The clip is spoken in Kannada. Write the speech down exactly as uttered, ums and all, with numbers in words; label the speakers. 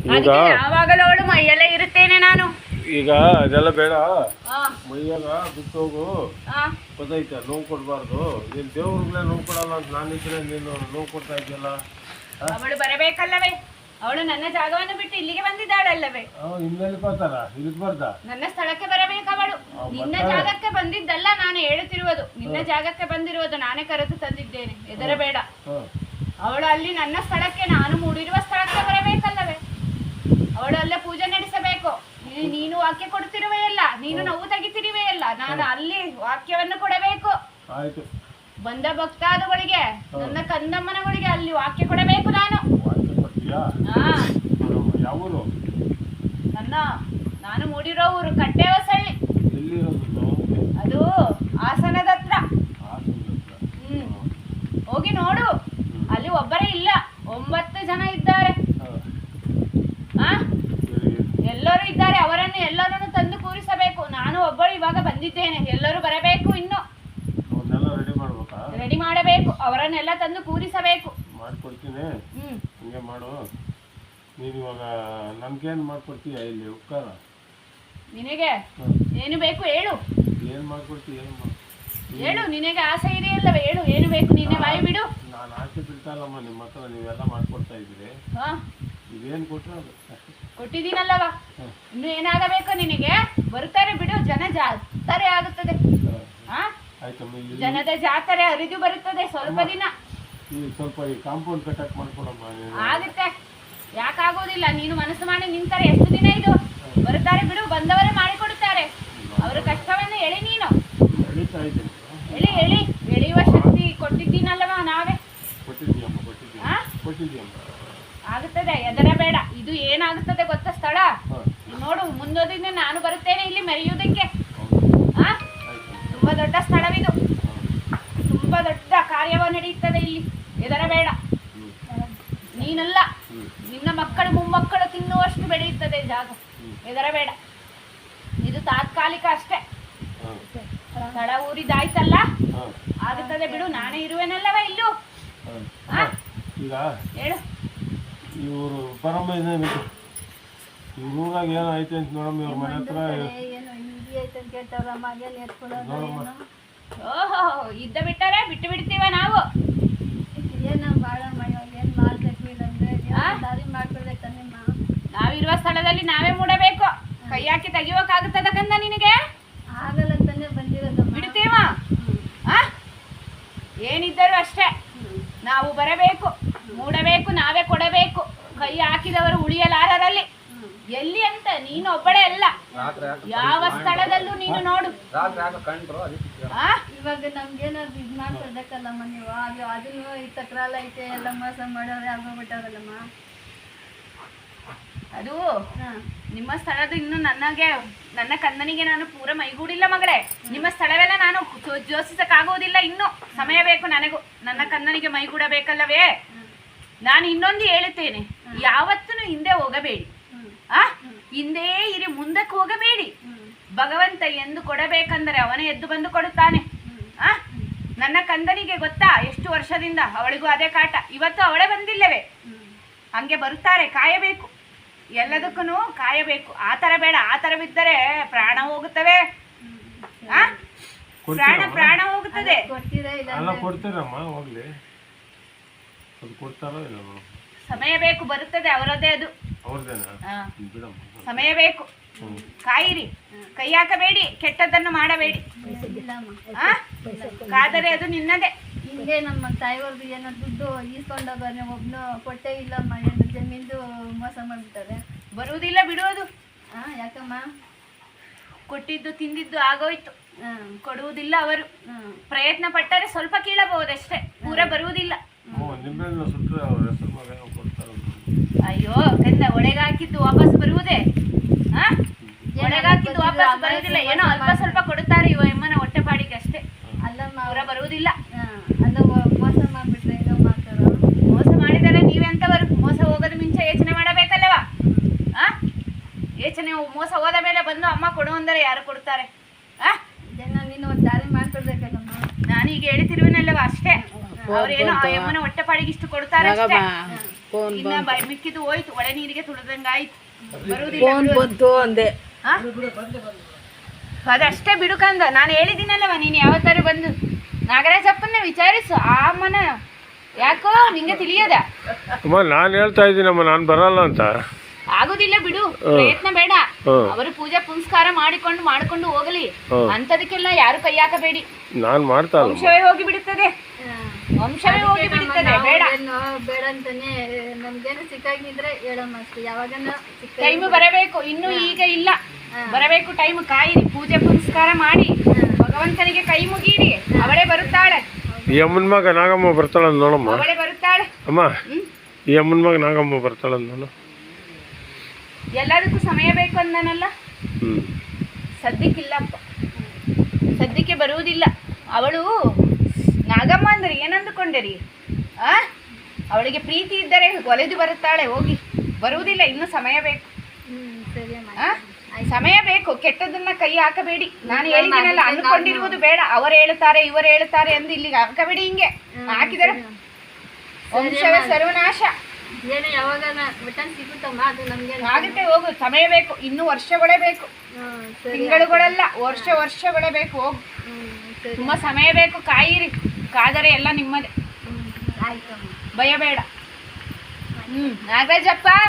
Speaker 1: ಈಗ
Speaker 2: ಯಾವಾಗಲೂ ಅವಳು ಮೈಯಲ್ಲೇ ಇರುತ್ತೇನೆ ನಾನು.
Speaker 1: ಈಗ ಅದೆಲ್ಲ ಬೇಡ, ಮೈಯಾಗ ಬಿಟ್ಟು ಹೋಗು. ಗೊತ್ತೈತೆ, ನೋವು ಕೊಡಬಾರ್ದು. ನೀನು ದೇವ್ರಗಳೇ ನೋವು ಕೊಡಲ್ಲ ಅಂತ ನಾನಿದ್ರೆ ನೀನು ನೋವು ಕೊಡ್ತಾ ಇದೆಯಲ್ಲ.
Speaker 2: ಅವಳು ಬರಬೇಕಲ್ಲವೇ? ಅವಳು ನನ್ನ ಜಾಗವನ್ನು ಬಿಟ್ಟು ಇಲ್ಲಿಗೆ ಬಂದಿದ್ದಾಳಲ್ಲವೇ?
Speaker 1: ಇನ್ನೆಲ್ಲಿ ಬರ್ತಾರ? ಇಲ್ಲಿಗೆ ಬರ್ದ
Speaker 2: ನನ್ನ ಸ್ಥಳಕ್ಕೆ ಬರಬೇಕು ಅವಳು. ನಿನ್ನ ಜಾಗಕ್ಕೆ ಬಂದಿದ್ದಲ್ಲ ನಾನು ಹೇಳುತ್ತಿರುವುದು, ನಿನ್ನ ಜಾಗಕ್ಕೆ ಬಂದಿರುವುದು. ನಾನೇ ಕರೆದು ತಂದಿದ್ದೇನೆ, ಹೆದರಬೇಡ. ಅವಳು ಅಲ್ಲಿ ನನ್ನ ಸ್ಥಳಕ್ಕೆ, ನಾನು ಮೂಡಿರುವ ಸ್ಥಳಕ್ಕೆ ಬರಬೇಕಲ್ಲವೇ? ಅವಳು ಅಲ್ಲೇ ಪೂಜೆ ನಡೆಸಬೇಕು. ನೀನು ವಾಕ್ಯ ಕೊಡ್ತಿರುವೆಯಲ್ಲ, ನೀನು ನೋವು ತೆಗಿತಿರುವೆಯಲ್ಲ, ನಾನು ಅಲ್ಲಿ ವಾಕ್ಯವನ್ನು ಕೊಡಬೇಕು. ಬಂದ ಭಕ್ತಾದುಗಳಿಗೆ, ನನ್ನ ಕಂದಮ್ಮನಗಳಿಗೆ ಅಲ್ಲಿ ವಾಕ್ಯ ಕೊಡಬೇಕು ನಾನು. ನನ್ನ ನಾನು ಮೂಡಿರೋ ಊರು ಕಟ್ಟೆ ಹೊಸಳ್ಳಿ, ಅದು ಹಾಸನದ ಹತ್ರ. ಹ್ಮ್ ಹೋಗಿ ನೋಡು, ಅಲ್ಲಿ ಒಬ್ಬರೇ ಇಲ್ಲ, ಒಂಬತ್ತು ಜನ ಇದ್ದಾರೆ. ಆ ಎಲ್ಲರೂ ಇದ್ದಾರೆ, ಅವರನ್ನು ಎಲ್ಲರನ್ನು ತಂದು ಕೂರಿಸಬೇಕು. ನಾನು ಒಬ್ಬಳು ಇವಾಗ ಬಂದಿದ್ದೇನೆ, ಎಲ್ಲರೂ ಬರಬೇಕು. ಇನ್ನು ರೆಡಿ ಮಾಡಬೇಕು, ಅವರನ್ನೆಲ್ಲ ತಂದು ಕೂರಿಸಬೇಕು.
Speaker 1: ಮಾಡ್ಕೊಡ್ತೀನಿ, ಹಂಗೆ ಮಾಡು. ನೀನು ಇವಾಗ ನನ್ಗೇನು ಮಾಡ್ಕೊಡ್ತೀಯ ಇಲ್ಲಿ ಉಪಕಾರ?
Speaker 2: ನಿನಗೆ ಏನು ಬೇಕು ಹೇಳು.
Speaker 1: ಏನು ಮಾಡ್ಕೊಡ್ತೀಯ?
Speaker 2: ಹೇಳು, ನಿನಗೆ ಆಸೆ ಇದೆಯಲ್ಲವೇ? ಹೇಳು, ಏನು ಬೇಕು? ನಿನ್ನೆ ಬಾಯಿ ಬಿಡು.
Speaker 1: ನಾನು ಆಸೆ ಬಿಡ್ತಾಯಿಲ್ಲಮ್ಮ, ನಿಮ್ಮ ಹತ್ರ ನೀವೆಲ್ಲ ಮಾಡ್ಕೊಡ್ತಾ ಇದ್ದೀರಿ.
Speaker 2: ಹಾ,
Speaker 1: ಇದೇನು ಕೊಟ್ಟರೆ ಅದು
Speaker 2: ಕೊಟ್ಟಿದ್ದೀನಲ್ಲವ. ಇನ್ನು ಏನಾಗಬೇಕು ನಿನಗೆ? ಬರ್ತಾರೆ ಬಿಡು, ಜನ ಜಾತ್ರೆ ಆಗುತ್ತದೆ. ಹಾ, ಜನದ ಜಾತ್ರೆ ಹರಿದು ಬರುತ್ತದೆ ಸ್ವಲ್ಪ ದಿನ.
Speaker 1: ಸ್ವಲ್ಪ ಈ ಕಾಂಪೌಂಡ್ ಕಟ್ಟಕ್ ಮಾಡ್ಕೊಡಮ್ಮ.
Speaker 2: ಆಗುತ್ತೆ, ಯಾಕಾಗೋದಿಲ್ಲ. ನೀನು ಮನಸ್ಸು ಮಾಡಿ ನಿಂತಾರೆ ಎಷ್ಟು ದಿನ ಇದು? ಬರ್ತಾರೆ ಬಿಡು, ಬಂದವರೇ ಮಾಡಿಕೊಡುತ್ತಾರೆ. ಅವರ ಕಷ್ಟವನ್ನು ಎಳಿ. ನೀನು ಎಳಿ ಎಳಿ ಎಳೆಯುವ ಶಕ್ತಿ ಕೊಟ್ಟಿದ್ದೀನಲ್ಲವ ನಾವೇ. ಆಗುತ್ತದೆ, ಹೆದರಬೇಡ. ಇದು ಏನಾಗುತ್ತದೆ ಗೊತ್ತಾ ಸ್ಥಳ? ನೋಡು, ಮುಂದೋದಿನ ನಾನು ಬರುತ್ತೇನೆ ಇಲ್ಲಿ ಮೆರೆಯುವುದಕ್ಕೆ. ಆ ತುಂಬಾ ದೊಡ್ಡ ಸ್ಥಳವಿದು, ತುಂಬಾ ದೊಡ್ಡ ಕಾರ್ಯವ ನಡೆಯುತ್ತದೆ ಇಲ್ಲಿ. ಹೆದರಬೇಡ. ನೀನಲ್ಲ, ನಿನ್ನ ಮಕ್ಕಳು ಮೊಮ್ಮಕ್ಕಳು ತಿನ್ನುವಷ್ಟು ಬೆಳೆಯುತ್ತದೆ ಜಾಗ. ಹೆದರಬೇಡ, ಇದು ತಾತ್ಕಾಲಿಕ ಅಷ್ಟೇ. ಸ್ಥಳ ಊರಿದಾಯ್ತಲ್ಲ, ಆಗುತ್ತದೆ ಬಿಡು. ನಾನೇ ಇರುವೆನಲ್ಲವ ಇಲ್ಲೂ. ಹೇಳು.
Speaker 1: ಇವರು ಬರಮ್ಮ, ಇವ್ರಾಗ ಏನೋ ಐತೆ ಅಂತ ನೋಡಮ್ಮ. ಇವ್ರ ಮನೆ ಹತ್ರ
Speaker 2: ಓಹೋ, ಇದ್ದ ಬಿಟ್ಟರೆ ಬಿಟ್ಟು ಬಿಡ್ತೀವ ನಾವು. ನಾವಿರುವ ಸ್ಥಳದಲ್ಲಿ ನಾವೇ ಮೂಡಬೇಕು. ಕೈ ಹಾಕಿ ತೆಗಿಯೋಕಾಗುತ್ತದ ಕಂದ ನಿನಗೆ? ಬಿಡ್ತೀವ? ಏನಿದ್ದರೂ ಅಷ್ಟೇ, ನಾವು ಬರಬೇಕು, ಮೂಡಬೇಕು, ನಾವೇ ಕೊಡಬೇಕು. ಕೈ ಹಾಕಿದವರು ಉಳಿಯಲಾರರಲ್ಲಿ. ಎಲ್ಲಿ ಅಂತ ನೀನು ಒಬ್ಬಳೇ ಅಲ್ಲ, ಯಾವ ಸ್ಥಳದಲ್ಲೂ ನೀನು ನೋಡು.
Speaker 3: ಇವಾಗ ನಮ್ಗೇನಾದ್ರು ಇದ್ ಮಾಡ್ಕೊಡ್ಬೇಕಲ್ಲಮ್ಮ ನೀವು. ಅದನ್ನು ಈ ತಕ್ರಾಲ ಐತೆ, ಎಲ್ಲ ಮೋಸ ಮಾಡೋರು ಆಗೋಗ್ಬಿಟ್ಟವ್ರಲ್ಲಮ್ಮ.
Speaker 2: ಅದು ನಿಮ್ಮ ಸ್ಥಳದ ಇನ್ನು ನನಗೆ, ನನ್ನ ಕಂದನಿಗೆ ನಾನು ಪೂರ ಮೈಗೂಡಿಲ್ಲ ಮಗಳೇ. ನಿಮ್ಮ ಸ್ಥಳವೆಲ್ಲ ನಾನು ಜೋಸಿಸಕ್ಕಾಗೋದಿಲ್ಲ. ಇನ್ನು ಸಮಯ ಬೇಕು ನನಗೂ. ನನ್ನ ಕಂದನಿಗೆ ಮೈಗೂಡಬೇಕಲ್ಲವೇ? ನಾನು ಇನ್ನೊಂದು ಹೇಳುತ್ತೇನೆ, ಯಾವತ್ತೂ ಹಿಂದೆ ಹೋಗಬೇಡಿ. ಆ ಹಿಂದೆ ಇರಿ, ಮುಂದಕ್ಕೆ ಹೋಗಬೇಡಿ. ಭಗವಂತ ಎಂದು ಕೊಡಬೇಕಂದರೆ ಅವನೇ ಎದ್ದು ಬಂದು ಕೊಡುತ್ತಾನೆ. ಆ ನನ್ನ ಕಂದನಿಗೆ ಗೊತ್ತಾ, ಎಷ್ಟು ವರ್ಷದಿಂದ ಅವಳಿಗೂ ಅದೇ ಕಾಟ. ಇವತ್ತು ಅವಳೇ ಬಂದಿಲ್ಲವೇ? ಹಂಗೆ ಬರುತ್ತಾರೆ, ಕಾಯಬೇಕು. ಎಲ್ಲದಕ್ಕೂ ಕಾಯಬೇಕು. ಆ ಥರ ಬೇಡ. ಆ ಥರ ಬಿದ್ದರೆ ಪ್ರಾಣ ಹೋಗುತ್ತವೆ. ಆ ಪ್ರಾಣ ಪ್ರಾಣ ಹೋಗುತ್ತದೆ. ಸಮಯ ಬೇಕು, ಬರುತ್ತದೆ ಅವರದೇ. ಅದು ಸಮಯ ಬೇಕು. ಕಾಯಿರಿ, ಕೈ ಹಾಕಬೇಡಿ, ಕೆಟ್ಟದ್ದನ್ನು ಮಾಡಬೇಡಿ. ಕಾದರೆ ಅದು ನಿನ್ನದೇ.
Speaker 3: ಹಿಂಗೆ ನಮ್ಮ ತಾಯಿಯವ್ರದ್ದು ಏನೋ ದುಡ್ಡು ಈಸ್ಕೊಂಡೋಗೋನೆ, ಒಬ್ನು ಕೊಟ್ಟೇ ಇಲ್ಲಮ್ಮ. ಏನು ಜಮೀನ್ದು ಮೋಸ ಮಾಡ್ಬಿಟ್ಟಾರೆ.
Speaker 2: ಬರುವುದಿಲ್ಲ ಬಿಡುವುದು.
Speaker 3: ಹಾ, ಯಾಕಮ್ಮ?
Speaker 2: ಕೊಟ್ಟಿದ್ದು ತಿಂದಿದ್ದು ಆಗೋಯ್ತು. ಕೊಡುವುದಿಲ್ಲ ಅವರು. ಪ್ರಯತ್ನ ಪಟ್ಟರೆ ಸ್ವಲ್ಪ ಕೀಳಬಹುದಷ್ಟೇ, ಪೂರ ಬರುವುದಿಲ್ಲ. ಅಯ್ಯೋ ಕಂದ, ಒಳಗೆ ಹಾಕಿದ್ದು ವಾಪಸ್ ಬರುವುದೇ? ಆ ಒಳಗೆ ಹಾಕಿದ್ದು ವಾಪಸ್ ಬರುವುದಿಲ್ಲ. ಏನೋ ಅಲ್ಪ ಸ್ವಲ್ಪ ಕೊಡುತ್ತಾರೆ ಇವ ಎಮ್ಮನ ಹೊಟ್ಟೆಪಾಡಿಗೆ ಅಷ್ಟೇ.
Speaker 3: ಅಲ್ಲಮ್ಮ,
Speaker 2: ಅವರ ಬರುವುದಿಲ್ಲ.
Speaker 3: ಅಲ್ಲ, ಮೋಸ ಮಾಡ್ಬಿಟ್ರೆ ಏನೋ ಮಾಡ್ತಾರ.
Speaker 2: ಮೋಸ ಮಾಡಿದರೆ ನೀವೆಂತವರು? ಮೋಸ ಹೋಗೋದ ಮುಂಚೆ ಯೋಚನೆ ಮಾಡಬೇಕಲ್ಲವಾ? ಆ ಯೋಚನೆ ಮೋಸ ಹೋದ ಮೇಲೆ ಬಂದು ಅಮ್ಮ ಕೊಡು ಅಂದರೆ ಯಾರು ಕೊಡ್ತಾರೆ? ಆ
Speaker 3: ಜನ ನೀನು ಒಂದು ದಾರಿ ಮಾಡ್ಕೊಡ್ಬೇಕಲ್ಲಮ್ಮ.
Speaker 2: ನಾನೀಗ ಹೇಳ್ತಿರುವನಲ್ಲವ ಅಷ್ಟೇ. ಅವ್ರೇನೋ ಆ ಯಮ್ಮನ ಹೊಟ್ಟೆಪಾಡಿಗೆ ಇಷ್ಟು ಕೊಡ್ತಾರೆ ಅಷ್ಟೇ. ಇನ್ನ ಬ- ಮಿಕ್ಕಿದ್ದು ಹೋಯ್ತು, ಒಳೆ ನೀರಿಗೆ ತುಳಿದಂಗಾಯ್ತು. ಬರುವುದಿಲ್ಲ
Speaker 4: ಫೋನ್
Speaker 2: ಬಿಡು.
Speaker 4: ಬಂತು ಅಂದೆ.
Speaker 2: ಆ? ಅದಷ್ಟೇ ಬಿಡುಕಂದ ನಾನು ಹೇಳಿದ್ದೀನಲ್ಲವ, ನೀನು ಯಾವತ್ತಾರು ಬಂದು ನಾಗರಾಜಪ್ಪನ್ನ ವಿಚಾರಿಸು. ಆ ಅಮ್ಮನ ಯಾಕೋ ನಿಂಗೆ ತಿಳಿಯದ?
Speaker 1: ಅಮ್ಮ ನಾನು ಹೇಳ್ತಾ ಇದ್ದೀನಮ್ಮ, ನಾನು ಬರಲ್ಲ ಅಂತ.
Speaker 2: ಆಗುದಿಲ್ಲ ಬಿಡು, ಪ್ರಯತ್ನ ಬೇಡ.
Speaker 1: ಹ್ಮ್.
Speaker 2: ಅವರು ಪೂಜೆ ಪುನಸ್ಕಾರ ಮಾಡಿಕೊಂಡು ಮಾಡ್ಕೊಂಡು ಹೋಗಲಿ.
Speaker 1: ಹ್ಮ್.
Speaker 2: ಅಂತದಕ್ಕೆಲ್ಲ ಯಾರು ಕೈ ಹಾಕಬೇಡಿ.
Speaker 1: ನಾನು ಮಾಡ್ತಾ ಇಲ್ಲ.
Speaker 2: ವಂಶವೇ ಹೋಗಿ ಬಿಡುತ್ತದೆ, ವಂಶವೇ ಹೋಗಿ ಬಿಡುತ್ತದೆ. ಬೇಡ,
Speaker 3: ಏನು ಬೇಡ ಅಂತಾನೆ ನಮ್ಗೇನು ಸಿಕ್ಕಾಗಿದ್ರೆ ಹೇಳಮ್ಮ ಅಷ್ಟೇ. ಯಾವಾಗನ ಸಿಕ್ಕ
Speaker 2: ಟೈಮ್ ಬರಬೇಕು, ಇನ್ನು ಈಗ ಇಲ್ಲ, ಬರಬೇಕು ಟೈಮ್. ಕಾಯಿರಿ, ಪೂಜೆ ಪುನಸ್ಕಾರ ಮಾಡಿ ಭಗವಂತನಿಗೆ ಕೈ ಮುಗೀರಿ. ಅವಳೇ ಬರುತ್ತಾಳೆ,
Speaker 1: ಈ ಅಮ್ಮನ ಮಗ ನಾಗಮ್ಮ ಬರ್ತಾಳಂತ ನೋಡಮ್ಮ.
Speaker 2: ಅವಳೇ ಬರುತ್ತಾಳೆ.
Speaker 1: ಅಮ್ಮ ಈ ಅಮ್ಮನ ಮಗ ನಾಗಮ್ಮ ಬರ್ತಾಳಂತ ನೋಡು.
Speaker 2: ಎಲ್ಲದಕ್ಕೂ ಸಮಯ ಬೇಕು ಅಂದನಲ್ಲ,
Speaker 1: ಹ್ಞೂ
Speaker 2: ಸದ್ಯಕ್ಕಿಲ್ಲಪ್ಪ, ಸದ್ಯಕ್ಕೆ ಬರುವುದಿಲ್ಲ. ಅವಳು ನಾಗಮ್ಮ ಅಂದ್ರೆ ಏನಂದುಕೊಂಡರಿ? ಆ ಅವಳಿಗೆ ಪ್ರೀತಿ ಇದ್ದರೆ ಒಲೆದು ಬರುತ್ತಾಳೆ, ಹೋಗಿ. ಬರುವುದಿಲ್ಲ, ಇನ್ನು ಸಮಯ ಬೇಕು.
Speaker 3: ಹ್ಮ್ ಸರಿ ಅಮ್ಮ.
Speaker 2: ಆ ಸಮಯ ಬೇಕು, ಕೆಟ್ಟದನ್ನ ಕೈ ಹಾಕಬೇಡಿ. ನಾನು ಹೇಳಿದ್ದೀನಲ್ಲ, ಅಂದುಕೊಂಡಿರುವುದು ಬೇಡ. ಅವರು ಹೇಳುತ್ತಾರೆ ಇವರು ಹೇಳುತ್ತಾರೆ ಎಂದು ಇಲ್ಲಿಗೆ ಹಾಕಬೇಡಿ. ಹಿಂಗೆ ಹಾಕಿದರೆ ವಂಶವೇ ಸರ್ವನಾಶ
Speaker 3: ಏನು ಯಾವಾಗನ ರಿಟರ್ನ್ ಸಿಗುತ್ತಮ್ಮ, ಅದು ನಮ್ಗೆ
Speaker 2: ಆಗುತ್ತೆ. ಹೋಗು, ಸಮಯ ಬೇಕು, ಇನ್ನು ವರ್ಷಗಳೇ ಬೇಕು,
Speaker 3: ಹ್ಮ್ ಸರಿ.
Speaker 2: ತಿಂಗಳುಗಳೆಲ್ಲ ವರ್ಷ ವರ್ಷಗಳೇ ಬೇಕು. ಹೋಗು,
Speaker 3: ಹ್ಮ್ ಸರಿ.
Speaker 2: ತುಂಬಾ ಸಮಯ ಬೇಕು. ಕಾಯಿರಿ, ಕಾದರೆ ಎಲ್ಲ ನಿಮ್ಮದೇ,
Speaker 3: ಹ್ಮ್ ಆಯ್ತಮ್ಮ.
Speaker 2: ಭಯ ಬೇಡ. ಹ್ಮ್ ನಾಗರಾಜಪ್ಪ.